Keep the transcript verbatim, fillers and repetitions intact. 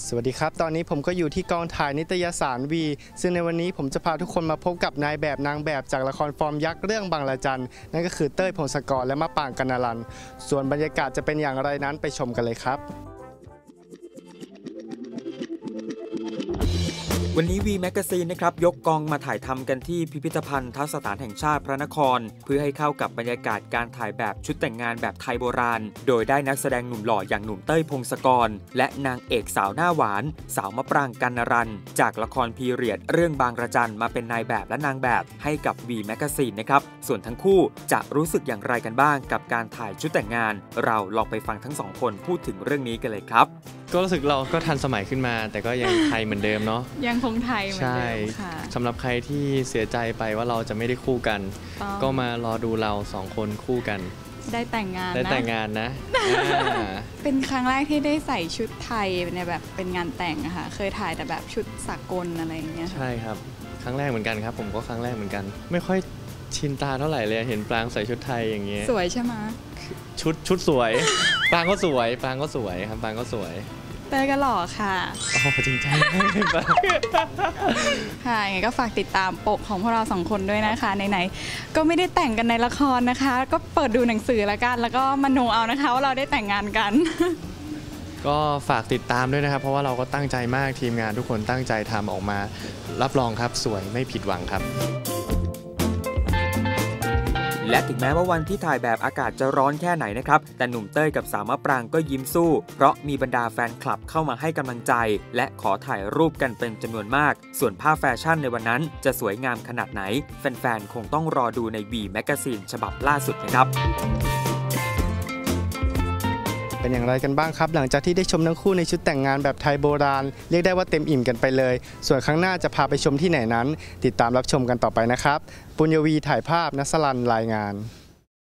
สวัสดีครับตอนนี้ผมก็อยู่ที่กองถ่ายนิตยสารวีซึ่งในวันนี้ผมจะพาทุกคนมาพบกับนายแบบนางแบบจากละครฟอร์มยักษ์เรื่องบางระจันนั่นก็คือเต้ยพงศกรและมะปรางกนรันส่วนบรรยากาศจะเป็นอย่างไรนั้นไปชมกันเลยครับวันนี้ วี แมกกาซีน นะครับยกกองมาถ่ายทำกันที่พิพิธภัณฑ์ทัสถานแห่งชาติพระนครเพื่อให้เข้ากับบรรยากาศการถ่ายแบบชุดแต่งงานแบบไทยโบราณโดยได้นักแสดงหนุ่มหล่ออย่างหนุ่มเต้ยพงศกรและนางเอกสาวหน้าหวานสาวมะปรางกนรันจากละครพีเรียดเรื่องบางระจันมาเป็นนายแบบและนางแบบให้กับ วี แมกกาซีน นะครับส่วนทั้งคู่จะรู้สึกอย่างไรกันบ้างกับการถ่ายชุดแต่งงานเราลองไปฟังทั้งสองคนพูดถึงเรื่องนี้กันเลยครับก็รู้สึกเราก็ทันสมัยขึ้นมาแต่ก็ยังไทยเหมือนเดิมเนาะยังคงไทยเหมือนเดิมค่ะสำหรับใครที่เสียใจไปว่าเราจะไม่ได้คู่กันก็มารอดูเราสองคนคู่กันได้แต่งงานนะได้แต่งงานนะเป็นครั้งแรกที่ได้ใส่ชุดไทยในแบบเป็นงานแต่งอะค่ะเคยถ่ายแต่แบบชุดสากลอะไรอย่างเงี้ยใช่ครับครั้งแรกเหมือนกันครับผมก็ครั้งแรกเหมือนกันไม่ค่อยชินตาเท่าไหร่เลยเห็นปรางใส่ชุดไทยอย่างเงี้ยสวยใช่ไหมชุดชุดสวยปรางก็สวยปรางก็สวยครับปรางก็สวยเต้ยก็หล่อค่ะโอ้จริงจังค่ะยังไงก็ฝากติดตามปกของพวกเราสองคนด้วยนะคะไหนๆก็ไม่ได้แต่งกันในละครนะคะก็เปิดดูหนังสือละกันแล้วก็มโนเอานะคะว่าเราได้แต่งงานกันก็ฝากติดตามด้วยนะครับเพราะว่าเราก็ตั้งใจมากทีมงานทุกคนตั้งใจทำออกมารับรองครับสวยไม่ผิดหวังครับและถึงแม้ว่าวันที่ถ่ายแบบอากาศจะร้อนแค่ไหนนะครับแต่หนุ่มเต้ยกับสาวมะปรางก็ยิ้มสู้เพราะมีบรรดาแฟนคลับเข้ามาให้กำลังใจและขอถ่ายรูปกันเป็นจำนวนมากส่วนภาพแฟชั่นในวันนั้นจะสวยงามขนาดไหนแฟนๆคงต้องรอดูใน วี แมกกาซีน ฉบับล่าสุดนะครับเป็นอย่างไรกันบ้างครับหลังจากที่ได้ชมทั้งคู่ในชุดแต่งงานแบบไทยโบราณเรียกได้ว่าเต็มอิ่มกันไปเลยส่วนครั้งหน้าจะพาไปชมที่ไหนนั้นติดตามรับชมกันต่อไปนะครับปุญญวีถ่ายภาพณสรันรายงาน